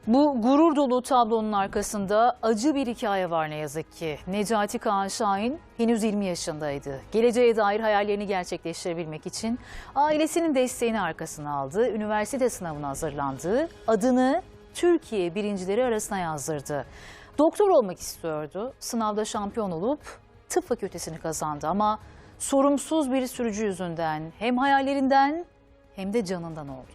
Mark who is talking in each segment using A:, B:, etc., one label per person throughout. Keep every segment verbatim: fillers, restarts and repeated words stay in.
A: Bu gurur dolu tablonun arkasında acı bir hikaye var ne yazık ki. Necati Kaan Şahin henüz yirmi yaşındaydı. Geleceğe dair hayallerini gerçekleştirebilmek için ailesinin desteğini arkasına aldı. Üniversite sınavına hazırlandı. Adını Türkiye birincileri arasına yazdırdı. Doktor olmak istiyordu. Sınavda şampiyon olup tıp fakültesini kazandı ama sorumsuz bir sürücü yüzünden hem hayallerinden hem de canından oldu.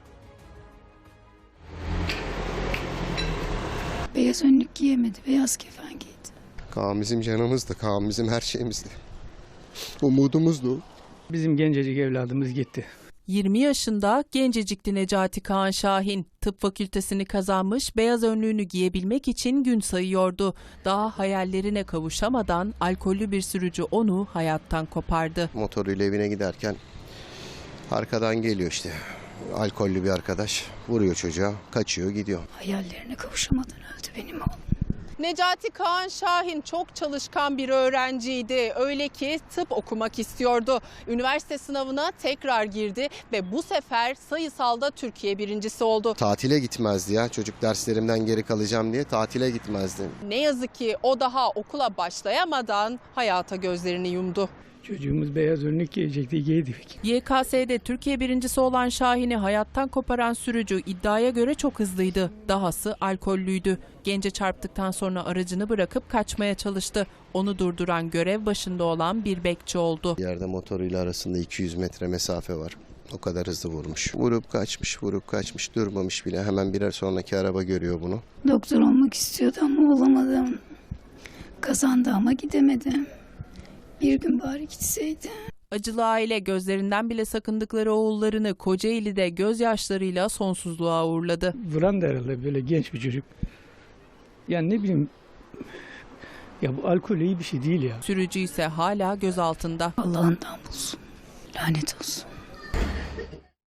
B: Beyaz önlük giyemedi, beyaz kefen giydi.
C: Kaan bizim canımızdı, Kaan bizim her şeyimizdi. Umudumuzdu.
D: Bizim gencecik evladımız gitti.
E: yirmi yaşında gencecikti Necati Kaan Şahin. Tıp fakültesini kazanmış, beyaz önlüğünü giyebilmek için gün sayıyordu. Daha hayallerine kavuşamadan alkollü bir sürücü onu hayattan kopardı.
C: Motoruyla evine giderken arkadan geliyor işte. Alkollü bir arkadaş vuruyor çocuğa, kaçıyor gidiyor.
B: Hayallerine kavuşamadan öldü benim oğlum.
F: Necati Kaan Şahin çok çalışkan bir öğrenciydi. Öyle ki tıp okumak istiyordu. Üniversite sınavına tekrar girdi ve bu sefer sayısalda Türkiye birincisi oldu.
C: Tatile gitmezdi ya, çocuk derslerimden geri kalacağım diye tatile gitmezdi.
F: Ne yazık ki o daha okula başlayamadan hayata gözlerini yumdu.
D: Çocuğumuz beyaz önlük giyecekti, giydik.
E: Y K S'de Türkiye birincisi olan Şahin'i hayattan koparan sürücü iddiaya göre çok hızlıydı. Dahası alkollüydü. Gence çarptıktan sonra aracını bırakıp kaçmaya çalıştı. Onu durduran görev başında olan bir bekçi oldu.
C: Yerde motoruyla arasında iki yüz metre mesafe var. O kadar hızlı vurmuş. Vurup kaçmış, vurup kaçmış, durmamış bile. Hemen birer sonraki araba görüyor bunu.
B: Doktor olmak istiyordu ama olamadı. Kazandı ama gidemedi. Bir gün bari gitseydi.
E: Acılı aile gözlerinden bile sakındıkları oğullarını Kocaeli'de gözyaşlarıyla sonsuzluğa uğurladı.
D: Vuran da herhalde böyle genç bir çocuk. Yani ne bileyim, ya bu alkol iyi bir şey değil ya.
E: Sürücü ise hala gözaltında.
B: Allah'ından bulsun. Lanet olsun.